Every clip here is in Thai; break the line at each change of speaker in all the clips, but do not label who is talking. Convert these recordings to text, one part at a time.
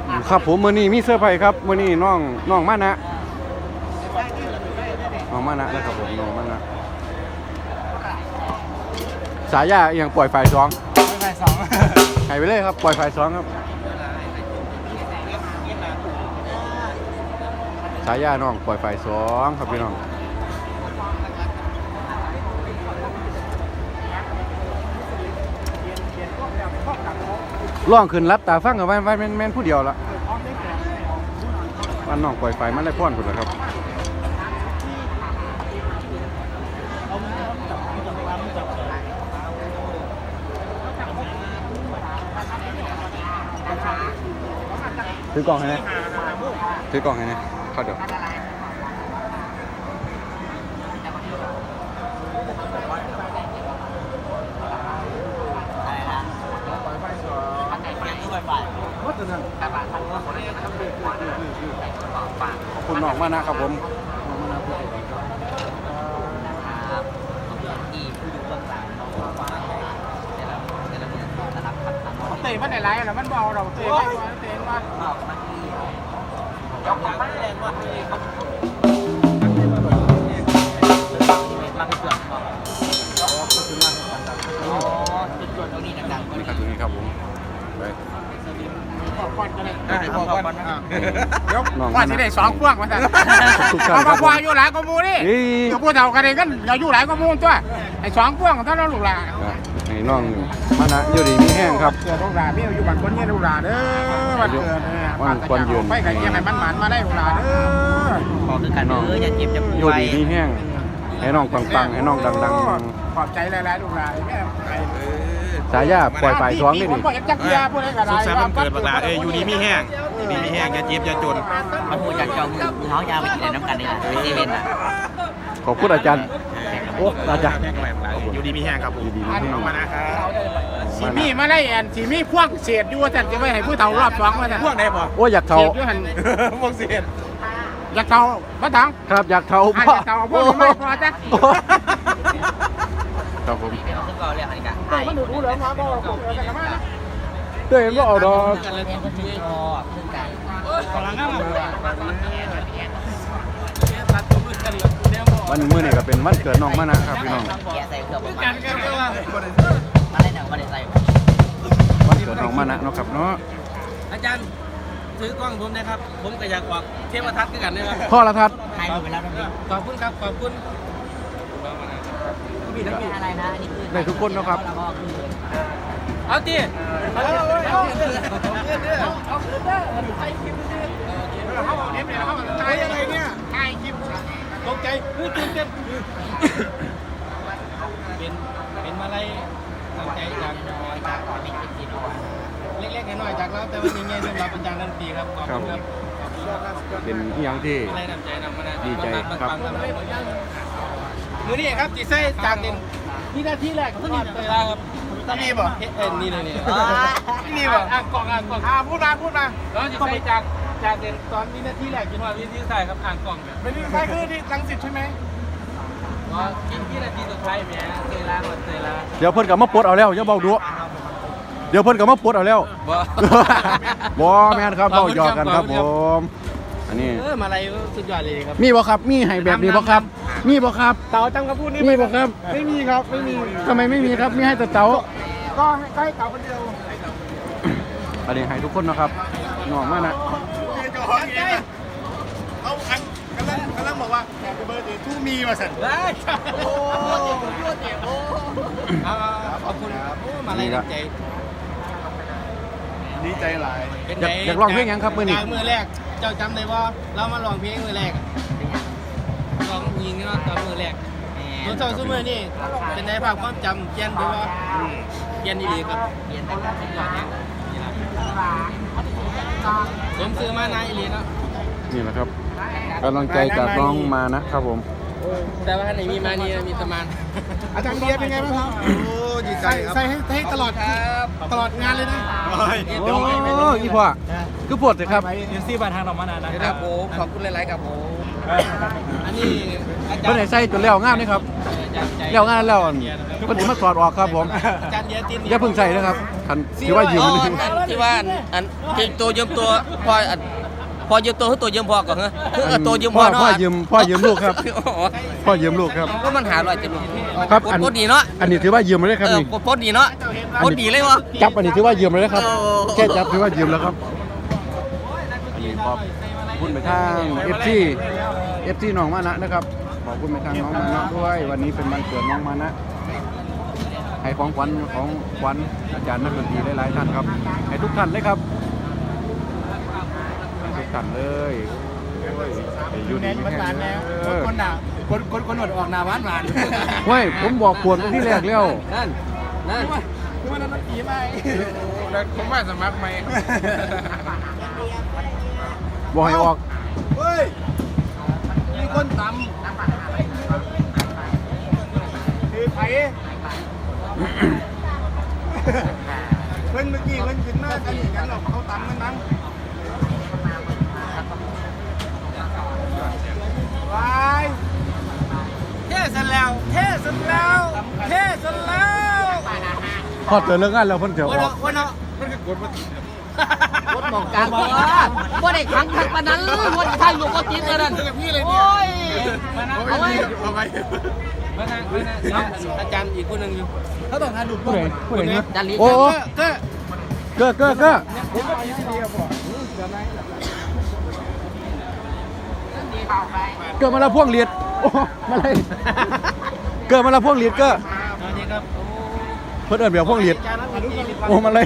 ครับผมมื้อนี้มีเสื้อร์ไผ่ครับมื้อนี้น้องมานะนะครับผมน้องมานะสายยาอย่างปล่อยไฟสองหายไปเลยครับปล่อยไฟสองครับสายยาน้องปล่อยไฟสองครับพี่น้องล่องขึ้นรับตาฟังกับวันแม่นผู้เดียวละวันน้องปล่อยไฟมันได้พ่อนคนละครับถือกล่องให้นะเข้าเดี๋ยวขอบคุณน้องมากนะครับผม
เตะมันไหนไรแล้วมันเบาเราเตะไม่เตะมา
นี่ครับตรงนี้ครับผมไป
ขอบคุณกันเลยขอบคุณเดี๋ยวว่าที่ได้2 พวงมาแต่เอาควายอยู่หลายกมูนี่เดี๋ยวพวกเรากันเองกันเราอยู่หลายกมูตัวไอ้2 พวงถ้าเราลูกหลาน
ไอ้น้องมานะอยู่ดีมีแห้งครับ
เกิดลูกหลานพี่อยู่บ้านคนเงี้ยลูกหลานเด้อวันเกิด
วันควันยืน
ไปกันยังไงมันหมานมาได้ลูกหลานเด้อ
ขอคือกันอย่าเจ็บจะป่วย
อยู่ดีมีแห้งให้น้องปังให้น้องดัง
ขอบใจหลายๆลูกหลานแม่
สายยาปล่อยไฟท้องนี่ดิ
สุขสันต์วันเกิดบักหลา
อยู่ดีมีแห้งอย่าเจ็บอย่าจน
มาพูดจากเจ้ามือเท้ายาวไปกินน้ำกันนี่แหละไปเซเว่นอ่ะ
ขอบคุณอาจารย์โอ้อาจารย์
อยู่ดีมีแห้งครับผมน้องมานะครับ
สีมีมาได้แอนสีมีพวกเศษอยู่ว่าจะไปให้ผู้เฒ่ารอบ2มาแต่
พวกไหนบ่
โอ้อยากเฒ่า
พวกเศษ
อยากเฒ่าบ้าถัง
ครับอยากเฒ่า
อยากเฒ่าพวกไม่พอจ้ะ
ครับผม
ซึ่งก็เรียกอะไรกัน
มันดูเหลืองมาบ่กันมานะ
เต้นว่าเอาดอกวันมื้อนี้ก็เป็นวันเกิดน้องมานะครับพี่น้องวันเกิดน้องมานะเนาะครับเนาะ
อาจารย์ซื้อกล้องผมนะครับผมก็อยากบอกเทพทัศน์กันนะครับ
พ่อละทัศน์
ถ่ายไปแล้วนะพี่
ขอบคุณครับขอบคุณ
อะไรนะอันนี้คือ
ได้ทุกคนนะครับ
เอาตี
ถ่ายอะไรเนี่ยถ่ายคลิปตกใจตื่นเต้น
เป็นมาลัยตั้งใจจากเล็กๆน้อยๆจากเราแต่วันนี้เงี้ยสำหรับอาจารย์นันทีครับขอบคุณครับ
เป็นอย่างที่ดีใจครับ
มือนี่ครับจีไส้จากเด่นนี่หน้าที่แรกต้องนี่ครับนี่บ่นี่เลยนี่บ่กล่องพูดมาแล้วจีไส้จากเด่นตอนนี้หน้าที่แรกจนว่าวิธีใส่ครับอ่างกล่องเนี่ย
เป็นที่ใช่คือที่รังสิตใช่ไหม
ก็กินนาทีสุดท้ายแหมเซล่าหมดเซล่า
เดี๋ยวเพิ่นกลับมาปลดเอาแล้วอย่าเบาดูเดี๋ยวเพิ่นกลับมาปลดเอาแล้วบ่แม่นครับเบาหยอกกันครับผมอันนี้
มาอะไรสุดยอดเลยครับ
มีบ่ครับมีให้แบบนี้บ่ครับมีบ่ครับ
เต๋าจังกระพูดนี่
มีบ่ครับ
ไม่มีครับไม่มี
ทำไมไม่มีครับมีให้แต่เต๋า
ก็ให้เต๋าคนเดียว
อันนี้ให้ทุกคนนะครับน้องมานะ
เอาอันกำลังบอกว่าแฮปปี้เบิร์ดเดย์ทูมีมาสั่น
โอ้ขอบคุณมาอะไรใจ
ดีใจหลาย
อยากร้องเพลงยังครับมือนี้
มือแรกเจ้าจำได้ว่าเรามาร้องเพลงมือแรกร้องยิงเนาะตอนมือแรกตัวเจ้าซุ้มมือนี่เป็นในภาพความจำเกียนด้วยว่าเกียนดีครับเกียนแต่สุดยอดเนี่ยผมซื้อมานายลีเนาะ
นี่แหละครับกำลังใจจากน้องมานะครับผม
แต่ว่าไหนมีมานี่มีสมาน
อาจารย์เบียร์เป็นไงบ้างครับโอ้ดีใจครับใส่ให้ตลอดงานเลยนะ
โอ้ยพ่อคือปวดเลยครับ
ยูซี่บานทางเรามานานนะครับผมขอบคุณหลายๆครับผมอันนี้อาจาร
เพิ่น
ย์
ให้ใส่จนแล้วงามนี่ครับแล้วงามแล้วเพิ่นสิมาถอดออกครับผม
อาจารย์เดียติน
อย่าเพิ่งใส่นะครับคันถือว่ายืม
ที่ว่าอันตัวยืมตัวพอยืมตัวคือตัวยืมพอก่อนเหรอตัวยืมพอเนาะ
พ่อยืมลูกครับพ่อยืมลูกครับ
ก็มันหาลอยจะรู้
ครับ
โคตรดีเนาะ
อันนี้ถือว่ายืมเลยครับนี่
โคตรดีเนาะโคตรดีเลยวะ
จับอันนี้ถือว่ายืมเลยนะครับ
โอ้
แค่จับถือว่ายืมแล้วครับอันนี้ขอบคุณไปทาง FC น้องมานะนะครับขอบคุณไปทางน้องมานะด้วยวันนี้เป็นวันเกิดน้องมานะให้ของขวัญอาจารย์นักดนตรีหลายๆท่านครับให้ทุกท่านเลยครับให้ทุกท่านเลยให้อยู่ดีไม่แห้งเออ
คนหนาคนหนวดออกหนาหวาน
เฮ้ยผมบอกปวดที่แรกแล้ว
นั่นคือว่านั้นตีไปผมว่าสมัครไหม
บอกให้ออก
เฮ้ยมีคนตำคือไผ่เพิ่นเมื่อกี้เพิ่นขึ้นมากันอย่างนั้นหรอกเขาตำกันมั้งวายเท่สันแล้ว
พอเจอเรื่องงานแล้วเพิ่นเดี๋ยวออก
วันเนาะมันคือกดมา
รถมองกลางบอกว่าได้ขังขังปานนั้นวันท่านอยู่ก็จิตเลยนั่น
พี่เลย
โอ้ย
เอาไว้อาจารย์อีกคนหนึ่งอยู่เขาต้องการดู
ผู้ใดเนี่ย
จารี
โอ้
ก็
เก้อเกิดมาแล้วพวงเลียดโอ้มาเลยเกิดมาแล้วพวงเลียดเก้อ
สวัสดีครับ
เพิ่นเอิ้นแบบพวงเลียด
อาจารย์นักดนตรี
โอ้มาเลย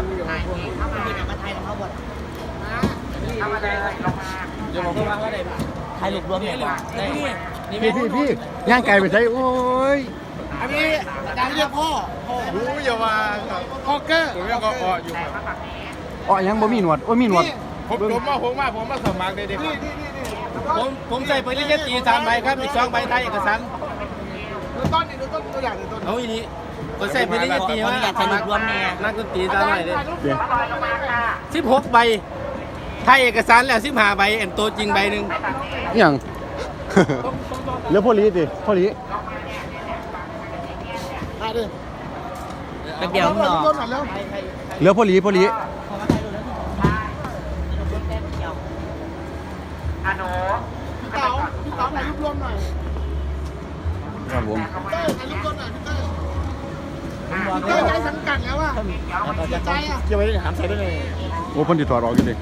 เดี๋ยวผมก็ว่าอะไร
ใครหลุดรวมเนี่ย
พี่ย่างไก่ไปใช้โอ้ย
อันนี้อาจารย์เรียกพ่อรู้อย่าว่าพ่อเกอร์ผมเรียกพ่ออยู่
อ๋อยังบ่มีหนวดโอ้ยมีหนวด
ผมมาสมัครเลยดิผมใส่ปริญญาตรี3 ใบครับอีก2 ใบไทยเอกสารดูต้นตัวอย่างต้นเอาอีนี้ผมใส่ปริญญาตรีว่าสมัครนักดนตรีตาหน่อยเลย
เดี๋ยว
16 ใบไทยเอกสารแล้ว15 ใบอันตัวจริงใบหนึ่ง
อิหยัง เหลือพ่อลีดิพ่อลี
เป็นเดียวเนาะ
เหลือพ่อลี
พี่เต๋าถ่ายรูปรวมหน่อย
ครับผม
ถ่ายรูปรวมหน่อยพี่เต้ย้ายสังกัดแล้วอ่ะใจอ่ะเกี่ยวไปถามใส่ได้เลย
โอ้เพิ่นสิถอดออกอยู่ดิ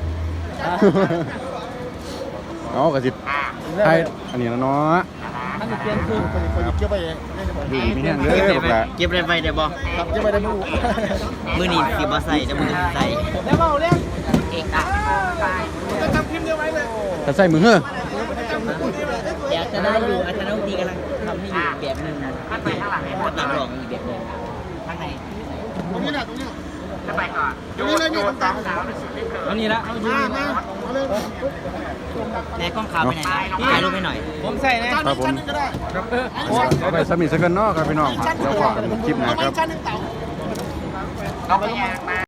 เอากระสิไทยอันนี้นะเนาะ
มันเปลี่ยนคือคนเกี่ยวไปเอง
ดูมีแห้งเลยบอกละ
เก็บได้ไปเดี๋ยวบอก
ครับเกี่ยวไปได้มือ
มือนี่สิบ่ใส่แต่มือนี่ใส่
แล้วเบาเรียก
เอกอะ
จะทำคลิปเดียวไว้เลย
ถ้าใส่มือเฮ้อ
เดี๋ยวจะได้อยู่อาจารย์ดนตรีกำลังทำให้อยู่แบบหนึ่งกับนักร้องอีกแบบหนึ่งข้างใน
ตรงนี้จะไปก่อนตรงนี้เลยนี่ตรงกลางตรงนี้ละเอาอยู่มาเลย
แต่กล้องขาวไปไหนถ่ายรูปให้หน่อย
ผมใส่นะครับ
ผมเอาไปสมิธสักกันเนาะครับพี่น้องเดี๋ยวว่ากันคลิปหน้าครับ